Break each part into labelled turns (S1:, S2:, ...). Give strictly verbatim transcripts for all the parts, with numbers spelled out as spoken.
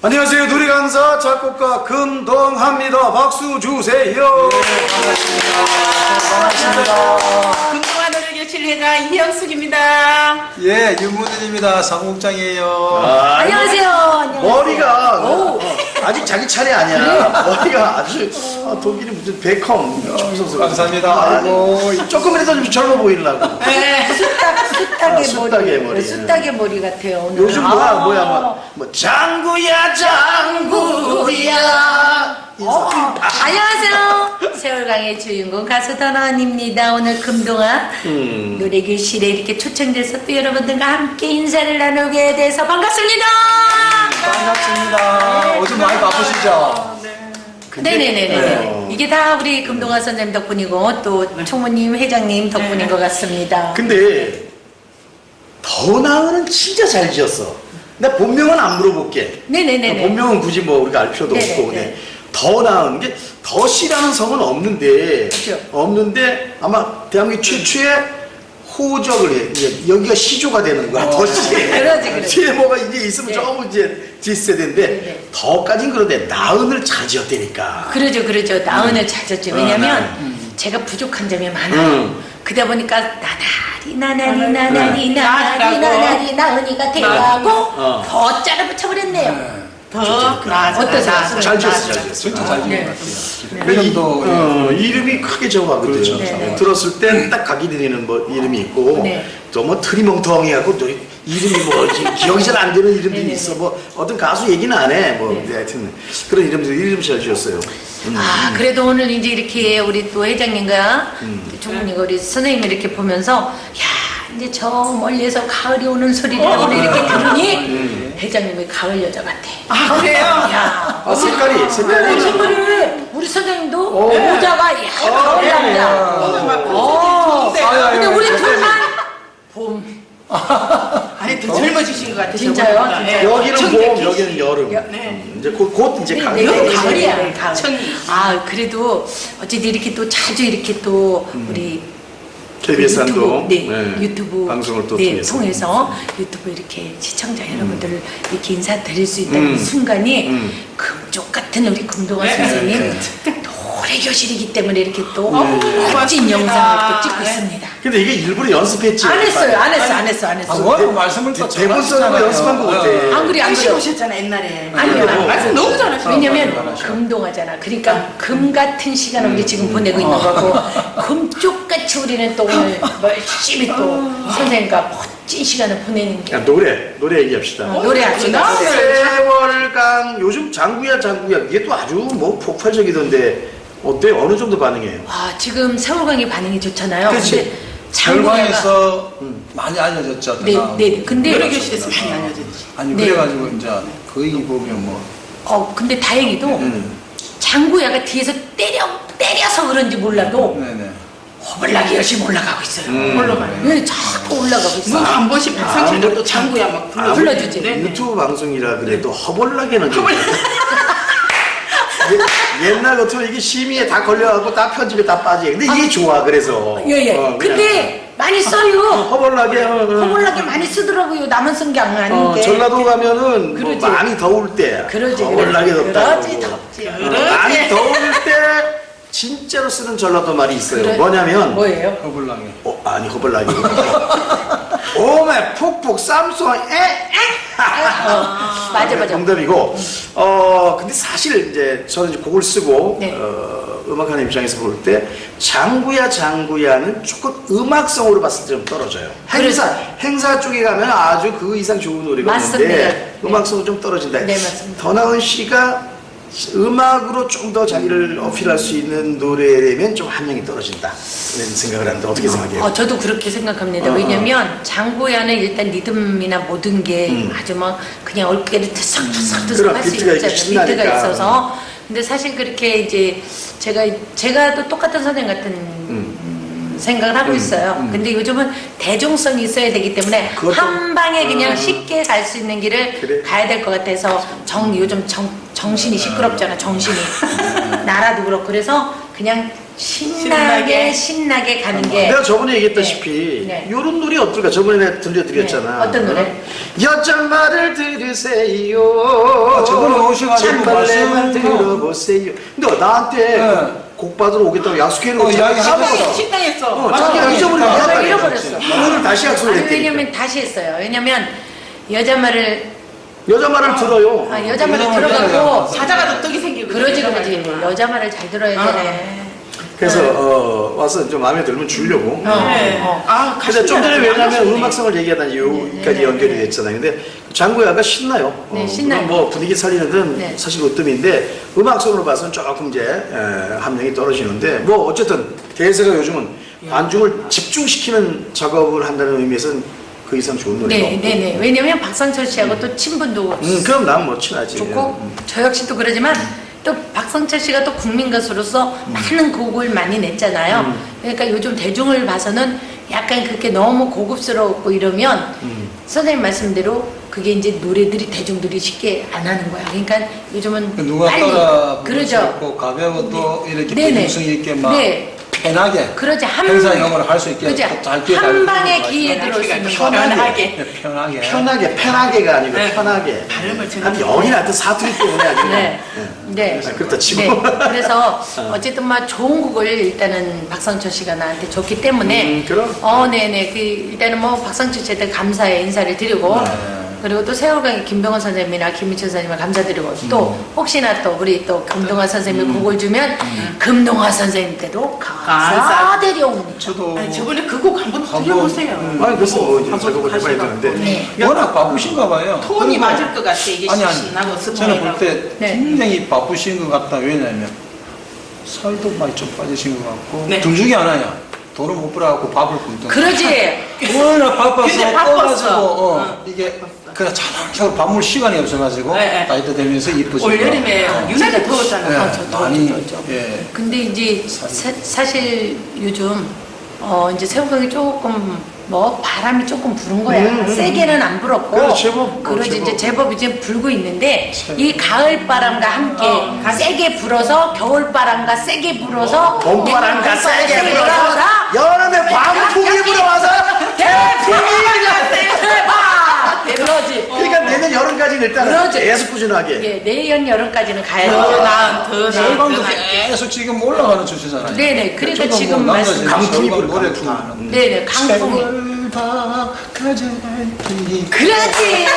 S1: 안녕하세요. 노래 강사 작곡가 금동합니다. 박수 주세요.
S2: 반갑습니다.
S3: 금동아 노래교실 회장 이영숙입니다.
S2: 예, 윤문은입니다. 사무국장이에요.
S1: 아,
S4: 안녕하세요. 안녕하세요.
S1: 머리가 어, 아직 자기 차례 아니야. 머리가 아주 아, 독일이 무슨 베컴 청소서.
S2: 감사합니다. 아이고.
S1: 조금이라도 좀 젊어 보이려고.
S3: 네.
S4: 쑥딱, 쑥딱의
S1: 아, 쑥딱의
S4: 머리.
S1: 머리.
S4: 쑥딱의 머리 같아요. 오늘.
S1: 요즘 뭐야
S4: 아.
S1: 뭐야 뭐, 뭐 장구야 장구야.
S4: 어, 안녕하세요. 세월강의 주인공 가수 전원입니다. 오늘 금동아
S1: 음.
S4: 노래교실에 이렇게 초청돼서 또 여러분들과 함께 인사를 나누게 돼서 반갑습니다.
S2: 반갑습니다. 요즘 많이 바쁘시죠?
S4: 네네네네.
S1: 네.
S4: 이게 다 우리 금동아 선생님 덕분이고 또 총무님, 회장님 덕분인
S3: 네.
S4: 것 같습니다.
S1: 근데 더 나은은 진짜 잘 지었어. 나 본명은 안 물어볼게.
S4: 네네네네.
S1: 본명은 굳이 뭐 우리가 알 필요도
S4: 네네네.
S1: 없고. 네. 더 나은 게 덧이라는 성은 없는데
S4: 그렇죠.
S1: 없는데 아마 대한민국 최초의 호적을 해. 이제 여기가 시조가 되는 거야. 덧이.
S4: 그러지, 그러지.
S1: 뒤에 뭐가 이제 있으면
S4: 네.
S1: 조금 이제 뒷세대인데
S4: 네네.
S1: 더까진 그런데 나은을 잘 지었다니까.
S4: 그러죠, 그러죠. 나은을 찾았죠. 왜냐면
S1: 음.
S4: 제가 부족한 점이 많아요.
S1: 음.
S4: 그러다 보니까 나나리 나나리 나나리
S1: 네.
S4: 나나리 나나리 나은이가 돼가고
S1: 어.
S4: 더 짜라 붙여버렸네요.
S3: 더 나아져.
S4: 어떠세요?
S1: 잘 지었어, 잘 지었어.
S2: 진짜 잘 지은
S4: 네.
S2: 것 같아요.
S1: 이,
S2: 이름도
S1: 어, 이름이 크게 정하거든.
S2: 그렇죠.
S4: 네, 네.
S1: 들었을 땐 딱 각이 들리는 뭐 이름이 있고
S4: 네.
S1: 또 뭐 트리멍텅이하고 또 이름이 뭐지 기억이 잘 안 되는 이름들이
S4: 네, 네,
S1: 있어.
S4: 네.
S1: 뭐 어떤 가수 얘기는 안 해. 뭐
S4: 네.
S1: 네, 하여튼 그런 이름들 이름 잘 지었어요. 음.
S4: 아, 그래도 오늘 이제 이렇게 우리 또 회장님과 또 총무님과 우리 선생님을 이렇게 보면서 야, 이제 저 멀리에서 가을이 오는 소리를 우리 이렇게 들으니 회장님이 가을 여자 같아.
S3: 아, 그래요?
S4: 야.
S1: 아 색깔이
S4: 어,
S1: 색깔이
S4: 정말 우리 선생님도
S1: 오.
S4: 모자가 야 가을 남자. 어. 근데 우리 둘만 봄.
S3: 아니, 더 젊어지신 것 같아요.
S4: 진짜요?
S3: 저보다.
S4: 진짜요?
S3: 예.
S1: 여기는
S3: 청계
S1: 봄
S3: 기-
S1: 여기는 여름.
S4: 여-
S3: 네.
S1: 음, 이제 곧, 곧 이제 가을.
S4: 네, 네, 네,
S3: 가을이야.
S4: 네, 가을.
S3: 청이.
S4: 아, 그래도 어쨌든 이렇게 또 자주 이렇게 또 우리
S1: 케이비에스
S4: 유튜브,
S1: 한도
S4: 네,
S1: 네,
S4: 유튜브
S1: 방송을 또
S4: 네,
S1: 통해서.
S4: 통해서 유튜브 이렇게 시청자 여러분들을 이렇게 인사드릴 수 있다는
S1: 음.
S4: 순간이
S1: 음.
S4: 금쪽 같은 우리 금동아
S3: 네.
S4: 선생님 노래 교실이기 때문에 이렇게 또
S1: 네.
S4: 멋진
S3: 고맙습니다.
S4: 영상을 또 찍고
S3: 네.
S4: 있습니다.
S1: 근데 이게 일부러 연습했지.
S4: 안 했어요, 안 했어, 안 했어, 안
S2: 아,
S4: 했어.
S2: 뭐 말씀을 또
S1: 대본 쓰는 거 연습한 거 같아.
S4: 안 그래, 안
S3: 당신
S4: 그래.
S3: 오셨잖아, 옛날에.
S4: 아니요.
S3: 네. 말씀 너무 잘하시네.
S4: 왜냐면 금동하잖아. 그러니까 금 같은 시간을 우리 지금 보내고 있는 거고 금쪽같이 우리는 또 오늘 열심히 또 선생님과 멋진 시간을 보내는 게
S1: 야, 노래 노래 얘기합시다.
S4: 어, 노래합시다.
S3: 노래.
S1: 세월강 요즘 장구야 장구야 이게 또 아주 뭐 폭발적이던데 어때 어느 정도 반응해요?
S4: 와, 지금 세월강이 반응이 좋잖아요.
S1: 그치.
S4: 근데 장구야가
S2: 결과에서 많이 알려졌죠.
S4: 네,
S2: 그다음.
S4: 네. 근데
S3: 노래교실에서 많이 알려졌지.
S2: 아니
S4: 네.
S2: 그래가지고 이제 거기 보면 뭐
S4: 어, 근데 다행히도
S1: 음.
S4: 장구야가 뒤에서 때려 때려서 그런지 몰라도
S2: 네네.
S4: 허벌나게 열심히 올라가고 있어요.
S1: 음.
S3: 올라가요.
S4: 네, 자꾸 올라가고 있어요.
S3: 뭐 한 번씩 백상칠도 또 장구야 막 불러.
S1: 아무리
S4: 불러주지.
S3: 네, 네.
S1: 유튜브 방송이라 그래도 허벌나게는 좀 예- 옛날 같으면 이게 심의에 다 걸려가고 다 편집에 다 빠지. 근데 이게 좋아 그래서.
S4: 예, 예.
S1: 어, 그냥
S4: 근데 많이 써요.
S1: 허벌나게. 어, 어.
S4: 허벌나게 많이 쓰더라고요. 남은 쓴 게 아닌
S1: 어,
S4: 게.
S1: 전라도 가면은 뭐
S4: 그러지.
S1: 많이 더울 때
S4: 그러지,
S1: 허벌나게
S4: 그러지.
S1: 덥다.
S4: 그러지, 덥지.
S1: 어, 많이 더울 때 진짜로 쓰는 전라도 말이 있어요.
S4: 그래?
S1: 뭐냐면
S4: 뭐예요?
S2: 허블랑에.
S1: 어, 아니 허벌나게. 오메 푹푹 쌈송 에
S4: 어, 맞아, 맞아.
S1: 정답이고 어 근데 사실 이제 저는 이제 곡을 쓰고
S4: 네.
S1: 어, 음악하는 입장에서 볼 때 장구야 장구야는 조금 음악성으로 봤을 때 좀 떨어져요. 행사
S4: 그렇죠.
S1: 행사 쪽에 가면 아주 그 이상 좋은 노래가
S4: 맞습니다.
S1: 있는데
S4: 네.
S1: 음악성은 좀 떨어진다.
S4: 네, 맞습니다.
S1: 더나은 씨가 음악으로 좀 더 자기를 어필할 수 있는 노래라면 좀 함량이 떨어진다. 그런 생각을 하는데 어떻게 생각해요?
S4: 어, 저도 그렇게 생각합니다.
S1: 어, 어.
S4: 왜냐면 장구야는 일단 리듬이나 모든 게
S1: 음.
S4: 아주 막 그냥 얼굴에 들썩들썩
S1: 그런
S4: 할 수
S1: 비트가
S4: 있잖아요.
S1: 신나니까.
S4: 비트가 있어서. 근데 사실 그렇게 이제 제가 제가 또 똑같은 선생 같은 음, 생각을 하고
S1: 음,
S4: 있어요.
S1: 음.
S4: 근데 요즘은 대중성이 있어야 되기 때문에
S1: 그것도-
S4: 한 방에 그냥
S1: 음.
S4: 쉽게 갈 수 있는 길을
S1: 그래.
S4: 가야 될 것 같아서 정 요즘 정, 정신이 시끄럽잖아. 정신이 나라도 그렇고 그래서 그냥 신나게 신나게 가는 게
S1: 내가 저번에 얘기했다시피
S4: 네.
S1: 이런 노래 어떨까? 저번에 내가 들려드렸잖아.
S4: 네. 어떤 노래?
S1: 여잔 말을 들으세요.
S2: 아, 저번에 오셔가지고
S1: 찬발레만
S2: 말씀-
S1: 들어보세요. 근데 나한테
S2: 네.
S1: 곡 받으러 오겠다고 약속해놓고
S2: 어, 이야기 하셨어.
S3: 식당에서
S1: 어,
S3: 맞아.
S1: 자기가 잊어버리고
S4: 내가
S1: 나갔다
S4: 잃어버렸어.
S1: 그랬지. 오늘 다시 약속을
S4: 아니,
S1: 했대.
S4: 왜냐면 다시 했어요. 왜냐면 여자 말을
S1: 여자 말을 들어요.
S4: 아, 여자 말을
S2: 여자 말을
S4: 들어가고
S2: 들어요.
S3: 사자가 떡이 생기고
S4: 그러지 그러지 여자 말을 잘 들어야
S3: 아.
S4: 되네.
S1: 그래서 어, 와서 좀 마음에 들면 주려고.
S4: 어.
S3: 네.
S4: 어.
S3: 아,
S1: 근데 좀 전에
S3: 가시지
S1: 왜냐면
S3: 않으셨네.
S1: 음악성을 얘기하다 여기까지
S4: 네, 네,
S1: 연결이
S4: 네.
S1: 됐잖아요. 근데 장구야가 신나요.
S4: 네, 신나요.
S1: 물론 뭐 분위기 살리는 건
S4: 네.
S1: 사실 으뜸인데 음악성으로 봐서는 조금 이제 에, 함량이 떨어지는데 뭐 어쨌든 대세가 요즘은 관중을 집중시키는 작업을 한다는 의미에서는 그 이상 좋은 노래가
S4: 네,
S1: 없고.
S4: 네, 네. 왜냐면 박상철 씨하고 또 친분도
S1: 음, 그럼 난 뭐 친하지.
S4: 좋고
S1: 음.
S4: 저 역시도 그러지만 또 박성철 씨가 또 국민 가수로서 많은 곡을 많이 냈잖아요.
S1: 음.
S4: 그러니까 요즘 대중을 봐서는 약간 그렇게 너무 고급스럽고 이러면
S1: 음.
S4: 선생님 말씀대로 그게 이제 노래들이 대중들이 쉽게 안 하는 거야. 그러니까 요즘은
S2: 누가
S4: 빨리
S2: 따라 부를 수
S4: 그러죠.
S2: 있고 가벼워 또 이렇게
S4: 네네.
S2: 대중성 있게 막
S4: 네.
S2: 편하게
S4: 그렇지 한
S2: 행사형을 할 수 있게
S4: 그죠.
S2: 잘 기회
S4: 한
S2: 잘
S4: 방에
S2: 주는
S4: 기회
S2: 거
S4: 들어올 수 있는
S3: 편하게.
S4: 거.
S3: 편하게.
S2: 네, 편하게
S1: 편하게 편하게가 아니고
S3: 네.
S1: 편하게.
S3: 발음을 제가
S1: 한 영이나 하여튼 사투리 때문에 아니고.
S4: 네. 네.
S1: 아, 그렇다 치고.
S4: 네. 그래서 어쨌든 막 좋은 곡을 일단은 박상철 씨가 나한테 줬기 때문에
S1: 음, 그럼.
S4: 어, 네네. 그 일단은 뭐 박상철 씨한테 감사의 인사를 드리고
S2: 네.
S4: 그리고 또 세월강의 김병헌 선생님이나 김민철 선생님을 감사드리고 또 혹시나 또 우리 또 금동화 선생님이 곡을 주면 금동화 선생님께도 감사드려옵니다.
S2: 저도
S3: 아니, 저번에 그 곡 한번
S2: 한번,
S3: 들려보세요.
S2: 음.
S1: 아니 그래서 뭐 이제
S3: 한번
S1: 작업을 해봐야
S3: 하시라고.
S1: 되는데.
S4: 네.
S2: 워낙 바쁘신가 봐요.
S3: 톤이
S2: 그리고-
S3: 맞을 것 같아. 이게
S2: 아니 아니
S3: 신나고
S2: 저는
S3: 스포해가고.
S2: 볼 때
S4: 네.
S2: 굉장히 바쁘신 것 같다. 왜냐면 살도 많이 좀 빠지신 것 같고
S3: 네.
S2: 둘 중에 하나야. 돈을 못 벌어갖고 밥을 굶든
S4: 그러지.
S2: 워낙 바빠서
S3: 근데 바빴어.
S2: 떠가지고 어,
S3: 어.
S2: 이게 그냥 차근차근 밥 먹을 시간이 없어가지고
S3: 네, 네.
S2: 나이도 되면서 이쁘지고
S3: 올여름에
S2: 어.
S3: 유난히 더웠잖아.
S2: 네,
S3: 아,
S4: 저 더웠죠,
S2: 많이
S4: 더웠죠.
S2: 예.
S4: 근데 이제 사, 사실 요즘 어 이제 세월강이 조금 뭐 바람이 조금 부는 거야.
S1: 음, 음,
S4: 세게는 안 불었고.
S1: 그래, 제법,
S4: 그러지
S1: 제법.
S4: 이제 제법 이제 불고 있는데
S2: 제법.
S4: 이 가을 바람과 함께
S3: 어,
S4: 세게 불어서 겨울 바람과 세게 불어서
S1: 봄바람과
S4: 봄바람과
S1: 세게 불어서 여름에 광풍이 불어와서
S4: 그러지.
S1: 그러니까 내년 여름까지는 일단은
S4: 그러지.
S1: 계속 꾸준하게.
S4: 예, 내년 여름까지는 가야
S3: 더
S4: 돼.
S3: 나은, 더 나은, 더
S2: 세방도
S3: 나은.
S2: 계속 지금 올라가는 추세잖아요.
S4: 네네. 그러니까
S2: 저도
S4: 지금
S2: 뭐
S4: 말씀-
S2: 남자들
S1: 강풍이
S2: 세월강
S1: 불어,
S2: 노래
S1: 강풍.
S2: 좋아하는
S4: 네네. 강풍이.
S2: 세월 다 가져갈게
S4: 그렇지.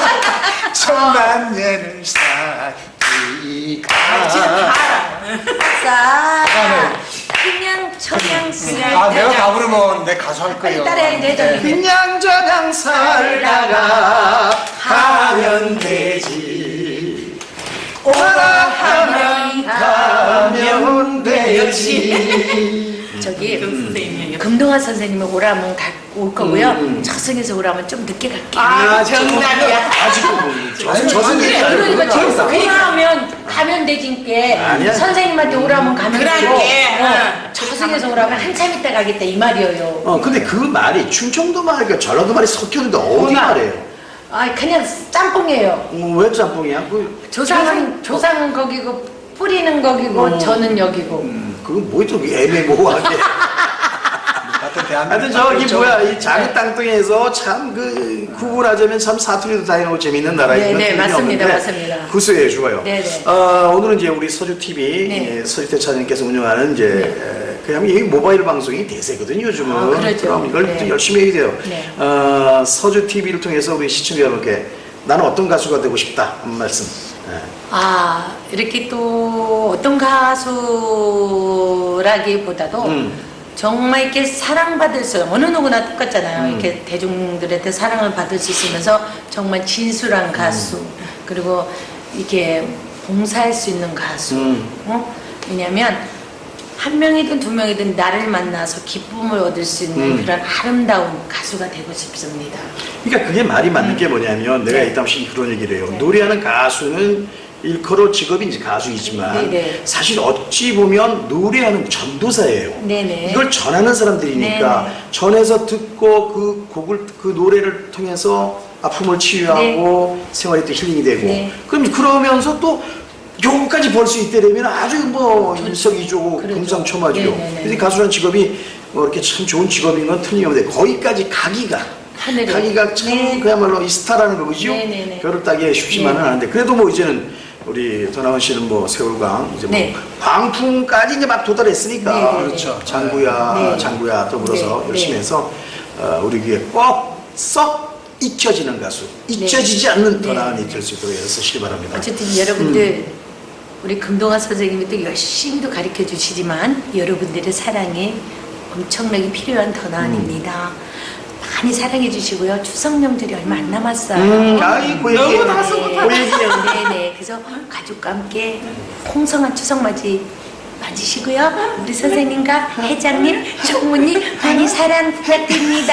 S2: 천만 년을 살기가
S3: 아, 진짜 다 알아.
S4: 자, 그냥 청양
S2: 아 내가 다 부르면 내 가수 할 거예요.
S4: 따라해야 되잖아.
S1: 그냥 저냥 살다가 가면 되지. 오라 하면 가면 되지.
S4: 저기
S3: 그 선생님이요.
S4: 금동아 선생님이 오라면 가, 올 거고요.
S1: 음.
S4: 저승에서 오라면 좀 늦게 갈게요.
S3: 아, 정답이야.
S1: 아직도 뭐 저- 저승
S2: 그래,
S1: 얘기
S4: 그러니까
S1: 아니고
S4: 저 오라면 가면 되진께
S1: 아니야.
S4: 선생님한테 오라면 가면 되고
S3: 그럴게.
S4: 어,
S3: 응.
S4: 저승에서 오라면 한참 있다 가겠다 이 말이에요.
S1: 어 근데 그 말이 충청도 말과 전라도 말이 섞였는데 어디
S3: 어디나.
S1: 말이에요?
S4: 아 그냥 짬뽕이에요.
S1: 어, 왜 짬뽕이야? 그
S4: 조상은 조상은 거기고 뿌리는 거기고
S1: 어.
S4: 저는 여기고.
S1: 음, 그건 뭐좀 애매모호하게.
S2: 같은 대한민국
S1: 하여튼 저기
S2: 그렇죠.
S1: 뭐야 이 자기 땅덩이에서 참 그 구분하자면 참 사투리도 다양하고 재밌는 나라인
S4: 네,
S1: 건
S4: 네,
S1: 틀림이
S4: 맞습니다,
S1: 없는데
S4: 맞습니다.
S1: 구수해요, 좋아요.
S4: 네, 네.
S1: 어, 오늘은 이제 우리 서주 티비
S4: 네.
S1: 예, 서주태 차장님께서 운영하는 이제 에, 그냥 이 모바일 방송이 대세거든요 요즘은.
S4: 아, 그렇죠.
S1: 그럼 이걸
S4: 네.
S1: 또 열심히 해야 돼요.
S4: 네.
S1: 어, 서주 티비를 통해서 우리 시청자 여러분께 나는 어떤 가수가 되고 싶다 한 말씀. 예.
S4: 아 이렇게 또 어떤 가수라기보다도
S1: 음.
S4: 정말 이렇게 사랑받을 수 어느 누구나 똑같잖아요.
S1: 음.
S4: 이렇게 대중들한테 사랑을 받을 수 있으면서 정말 진술한 가수
S1: 음.
S4: 그리고 이렇게 봉사할 수 있는 가수.
S1: 음.
S4: 어? 왜냐하면 한 명이든 두 명이든 나를 만나서 기쁨을 얻을 수 있는
S1: 음.
S4: 그런 아름다운 가수가 되고 싶습니다.
S1: 그러니까 그게 말이 맞는 게 뭐냐면 내가
S4: 네.
S1: 이따시 그런 얘기를 해요.
S4: 네.
S1: 노래하는 가수는 일컬어 직업이 이제 가수이지만
S4: 네, 네.
S1: 사실 어찌 보면 노래하는 전도사예요.
S4: 네네.
S1: 이걸 전하는 사람들이니까
S4: 네네.
S1: 전해서 듣고 그 곡을 그 노래를 통해서 아픔을 치유하고 생활이 또 힐링이 되고
S4: 네.
S1: 그럼 그러면서 또 요거까지 벌 수 있다면 아주 뭐 일석이조고
S4: 그렇죠.
S1: 금상첨화죠.
S4: 네네네.
S1: 근데 가수라는 직업이 뭐 이렇게 참 좋은 직업인 건 틀림없는데 거기까지 가기가
S4: 하늘에.
S1: 가기가 참
S4: 네.
S1: 그야말로 이 스타라는 거죠.
S4: 네네네.
S1: 별을 따기에 쉽지만은
S4: 네.
S1: 않은데 그래도 뭐 이제는 우리 도나원 씨는 뭐 세월강 이제 뭐
S4: 네.
S1: 광풍까지 이제 막 도달했으니까
S4: 네네네.
S2: 그렇죠.
S1: 장구야
S4: 네.
S1: 장구야 더불어서
S4: 네.
S1: 열심히
S4: 네.
S1: 해서 어, 우리 귀에 꼭 썩 잊혀지는 가수, 잊혀지지 않는
S4: 네.
S1: 도나원이 될 수 있도록 애쓰시기 바랍니다.
S4: 어쨌든 여러분들 우리 금동아 선생님이 또 열심히 또 가르쳐 주시지만 여러분들의 사랑이 엄청나게 필요한 더나원입니다. 많이 사랑해 주시고요. 추석 명절이 얼마 안 남았어요.
S1: 음, 아이 그 얘기
S3: 너무 다 수고하다.
S1: 그 얘기예요.
S4: 네네. 그래서 가족과 함께 풍성한 추석 맞이 맞으시고요. 우리 선생님과 회장님, 총무님 많이 사랑 부탁드립니다.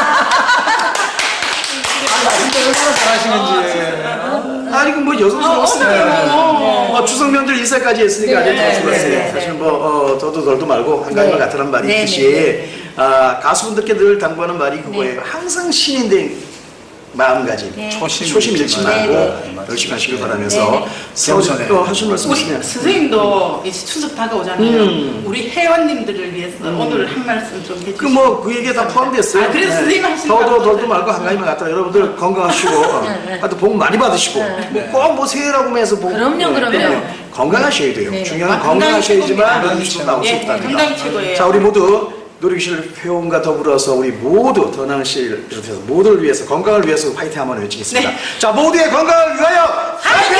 S2: 진짜 얼마나 잘하시는지.
S1: 아니 그뭐 여성스러웠으니까 어, 추석 명절 인사까지 했으니까 아주
S4: 네,
S1: 좋았어요.
S4: 네, 네,
S1: 사실
S4: 네.
S1: 뭐 어, 더도 덜도 말고 한 가지만
S4: 네.
S1: 같으란 말이
S4: 네,
S1: 있듯이
S4: 네, 네.
S1: 아, 가수분들께 늘 당부하는 말이 그거예요. 항상 신인된 마음가짐,
S4: 네.
S2: 초심
S1: 초심 잃지
S2: 잃지
S1: 말고
S4: 말고.
S1: 열심히 하시길
S2: 네.
S1: 바라면서
S4: 네, 네.
S2: 겸손해.
S1: 어, 하실 말씀
S3: 우리
S1: 있으면
S3: 선생님도 이제 추석 다가오잖아요.
S1: 음.
S3: 우리 회원님들을 위해서 오늘 한 말씀 좀 해주시죠.
S1: 그 뭐 그 얘기에 다 포함됐어요.
S3: 아, 그래서 선생님 하시는
S1: 더도
S3: 거
S1: 덜도 말고 한 가지만 갖다 여러분들 건강하시고 어, 하여튼 복 많이 받으시고
S4: 네.
S1: 뭐꼭뭐 새해라고 해서 복
S4: 그럼요, 그럼요.
S1: 네, 건강하셔야 돼요.
S4: 네.
S1: 중요한 건
S3: 아, 건강이
S1: 건강하셔야지만
S3: 최고입니다.
S1: 음식 나올 수
S3: 예,
S1: 있답니다.
S3: 건강이 최고예요.
S1: 자 우리 모두 노력실 회원과 더불어서 우리 모두 더나은 씨를 비롯해서 모두를 위해서 건강을 위해서 화이팅 한번 외치겠습니다.
S3: 네.
S1: 자 모두의 건강을 위하여 화이팅!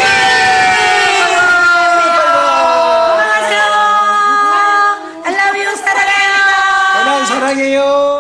S4: 안녕하세요. I love you. 사랑해요.
S2: 사랑해요.